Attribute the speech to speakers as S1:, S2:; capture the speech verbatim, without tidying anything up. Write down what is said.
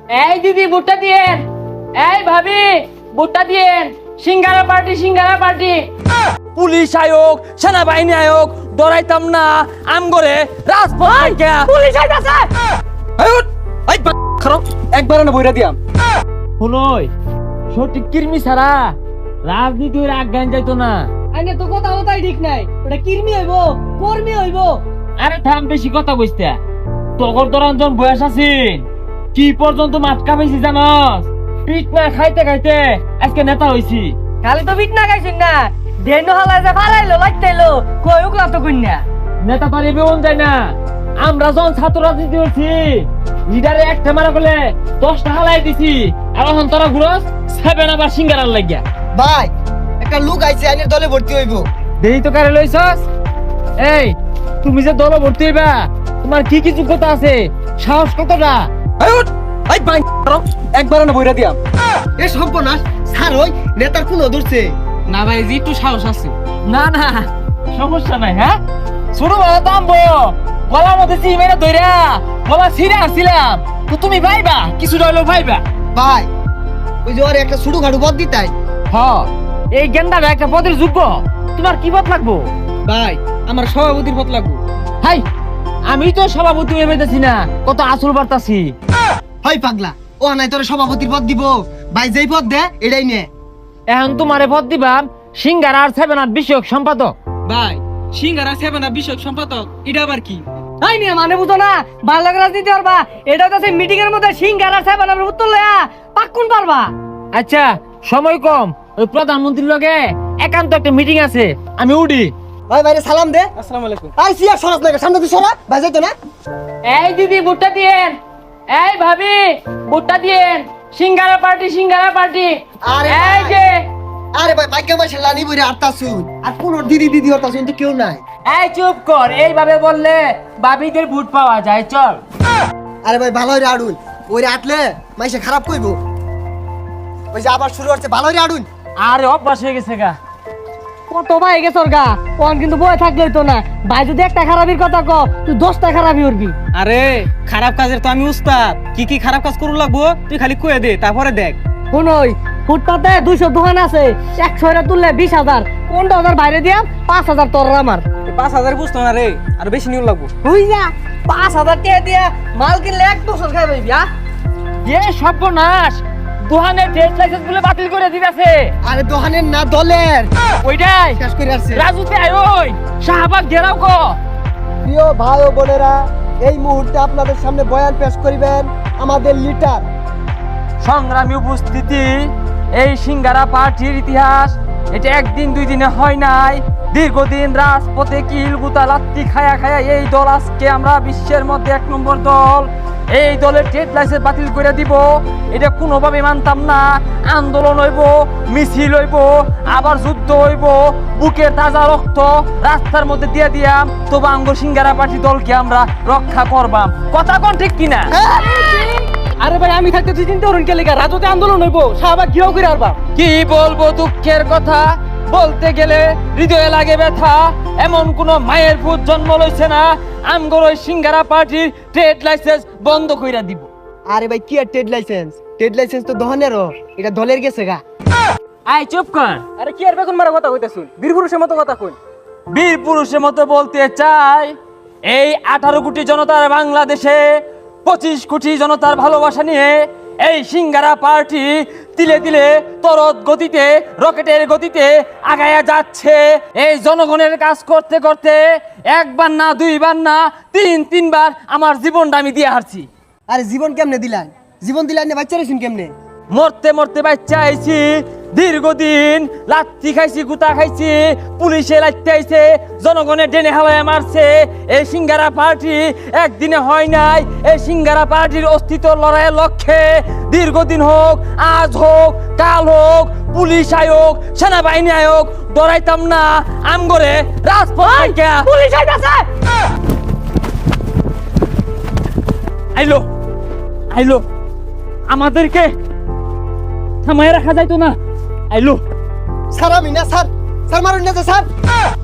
S1: এই দিদি ভুট্টা দিয়েন, এই ভাবি ভুট্টা দিয়েন, singara party singara party.
S2: Police আয়োগ সেনাবাহিনী আয়োগ ডরাইতাম না আম করে রাজপথ
S1: পুলিশ আইতাছে।
S2: একবার না বইরা দিয়াম
S1: শুনই সঠিক কির্মি ছাড়া রাজনীতি ওর আজ্ঞান যাইতো না।
S3: আইনে তো কথা কথাই ঠিক নাই, ওটা কির্মি হইব কর্মী হইব।
S1: আরে থাম, বেশি কথা কইস্তা। তগর দরঞ্জন বয়স আছিস, কি পর্যন্ত মাটকা পাইছি জানস? পিট না খাইতে খাইতে আজকে নেতা হইছি।
S3: খালি তো বিট না গাইছিস না, দেন হালা যে ফালাইলো লাগতাইলো কই উকলা তো কইনা।
S1: নেতা তো এবেউন যায় না। আমরা যখন ছাত্র রাজনীতি করছি লিডারে একটা মারা করলে দশটা হালাই দিছি, আর এখন তোরা ঘুরস সেভেন আবার সিঙ্গারার লাগিয়া।
S4: ভাই একটা লোক আইছে আইনের দলে ভর্তি হইব।
S1: দেরি তো কারে লইছস? এই তুমি যে দল ভর্তি হইবা, তোমার কি কি যোগ্যতা আছে, সাহস কতটা?
S2: একবার না বইরা দিয়াম
S4: এ সর্বনাশ স্যার ওই নেতার কোন ধরছে
S3: না ভাই জি একটু সাহস আছে।
S1: না না সমস্যা নাই। হ্যাঁ শুরু ভালো দামবো, গলার মধ্যে চিমেরা ধইরা গলা ছিঁড়ে আসছিলাম তো তুমি ভাইবা কিছু রইলো ভাইবা।
S4: ভাই ওই যে ওর একটা ছোট খাটো পদ দিতাই।
S1: হ এই গেন্দাটা একটা পদের যোগ্য, তোমার কি পদ লাগবো?
S3: ভাই আমার সভাপতির পদ লাগবে।
S1: হাই আমি তো সভাপতি হয়ে পেতেছি না, কত আসল বার্তাছি।
S4: হয় পাগলা, ও নাই তোর সভাপতির পদ দিব। ভাই যেই পদ দে এটাই নে।
S1: এখন তোমারে পদ দিবাম সিঙ্গার আর সেভেন আট বিষয়ক সম্পাদক।
S3: ভাই সিঙ্গারা সেভেন আপ বিষয়ক সম্পাদক এটা আবার কি? তাই নিয়ে মানে বুঝো না, ভালো রাজনীতি পারবা। এটা তো মিটিং এর মধ্যে সিঙ্গারা সেভেন আপের উত্তর লয়া পাক্কুন পারবা।
S1: আচ্ছা সময় কম, ওই প্রধানমন্ত্রীর লগে একান্ত একটা মিটিং আছে, আমি উঠি।
S4: ভাই ভাইরে সালাম দে।
S3: আসসালামু আলাইকুম।
S4: আর সিয়া সরাস না সামনে তুই সরা ভাই যাইতো না।
S1: এই দিদি ভুট্টা দিয়েন, এই ভাবি ভুট্টা দিয়েন, সিঙ্গারা পার্টি সিঙ্গারা পার্টি।
S4: আরে
S1: এই
S4: ভাই।
S1: যে
S4: আরে ভাই ভাগ্য মাসে লানি বইরে আটটা শুন আর কোন দিদি দিদি হতা শুন তো কেউ নাই।
S1: এই চুপ কর, এইভাবে বললে ভাবিদের ভোট পাওয়া যায়। চল।
S4: আরে ভাই ভালো হইরে আড়ুন, ওইরে আটলে মাইসে খারাপ কইবো। ওই যে আবার শুরু হচ্ছে ভালো হইরে আড়ুন।
S1: আরে অভ্যাস হয়ে গেছে গা।
S3: কত ভাই গেছে ওর গা, ওন কিন্তু বয়ে থাকলেই তো না। ভাই যদি একটা খারাপির কথা ক, তুই দশটা খারাপি উঠবি।
S5: আরে খারাপ কাজের তো আমি উস্তাদ, কি কি খারাপ কাজ করু লাগবো তুই খালি কয়ে দে, তারপরে দেখ।
S3: শুনই ফুটপাতে দুইশো দোকান আছে, একশো এটা তুললে বিশ হাজার, পনেরো হাজার বাইরে দিয়া পাঁচ হাজার তোর আর আমার।
S5: এই পাঁচ হাজার বুঝতো না রে, আর বেশি নিউ লাগবো।
S3: বুঝ যা, পাঁচ হাজার টাকা দিয়া মাল কিনলে এক বছর খাই পাইবি। আ
S1: এ সর্বনাশ, দোকানের ট্রেড লাইসেন্স গুলো বাতিল করে দিতেছে।
S4: আরে দোকানের না দলের
S1: ওইটাই
S4: শেষ করে আসছে।
S1: রাজুতে আয়, ওই শাহবাগ ঘেরাও কো।
S4: প্রিয় ভাই ও বোনেরা, এই মুহূর্তে আপনাদের সামনে বয়ান পেশ করিবেন আমাদের লিডার।
S1: সংগ্রামী উপস্থিতি, এই সিঙ্গারা পার্টির ইতিহাস এটা একদিন দুই দিনে হয় নাই, দীর্ঘদিন রাজপথে কিল গুতা লাত্তি খায়া খায়া এই দল আজকে আমরা বিশ্বের মধ্যে এক নম্বর দল। এই দলের ট্রেড লাইসেন্স বাতিল করে দিব, এটা কোনোভাবে মানতাম না। আন্দোলন হইব, মিছিল হইব, আবার যুদ্ধ হইব, বুকের তাজা রক্ত রাস্তার মধ্যে দিয়ে দিয়াম, তবু আঙ্গুর সিঙ্গারা পার্টি দলকে আমরা রক্ষা করবাম। কথা কোন ঠিক কিনা?
S3: আরে ভাই আমি থাকতে তুই চিন্তা করুন কে লেখা রাজতে আন্দোলন হইব, শাহবাগ ঘিরাও করে আরবা।
S1: কি বলবো দুঃখের কথা, বলতে গেলে হৃদয়ে লাগে ব্যথা। এমন কোন মায়ের পুত জন্ম লইছে না আমগর ওই সিঙ্গারা পার্টির ট্রেড লাইসেন্স বন্ধ কইরা দিব।
S4: আরে ভাই কি আর ট্রেড লাইসেন্স, ট্রেড লাইসেন্স তো দোকানেরও, এটা দলের গেছে গা।
S1: আয় চুপ কর।
S5: আরে কি আর বেগুন মারা কথা কইতাছুন, বীর পুরুষের মতো কথা কই।
S1: বীর পুরুষের মতো বলতে চাই, এই আঠারো কোটি জনতার বাংলাদেশে পঁচিশ কোটি জনতার ভালোবাসা নিয়ে এই সিঙ্গারা পার্টি তিলে তিলে তরত গতিতে রকেটের গতিতে আগায়া যাচ্ছে। এই জনগণের কাজ করতে করতে একবার না দুইবার না তিন তিনবার আমার জীবনটা আমি দিয়ে হারছি।
S4: আরে জীবন কেমনে দিলেন, জীবন দিলেন না বাচ্চা রেছেন কেমনে?
S1: মরতে মরতে বাচ্চা আইছি, দীর্ঘদিন লাত্তি খাইছি, গুতা খাইছি, পুলিশে লাত্তি আইছে, জনগণের ডেনে হাওয়ায় মারছে। এই সিঙ্গারা পার্টি একদিনে হয় নাই। এই সিঙ্গারা পার্টির অস্তিত্ব লড়াইয়ের লক্ষ্যে দীর্ঘদিন হোক, আজ হোক, কাল হোক, পুলিশ আয়োগ সেনাবাহিনী আয়োগ ডরাইতাম না আমগরে রাজপথ থেকে।
S3: পুলিশ আইতাছে।
S1: আইলো আইলো, আমাদেরকে থামায় রাখা যাইতো না। আইলো
S4: স্যার আমি না স্যার, স্যার মারুন না স্যার।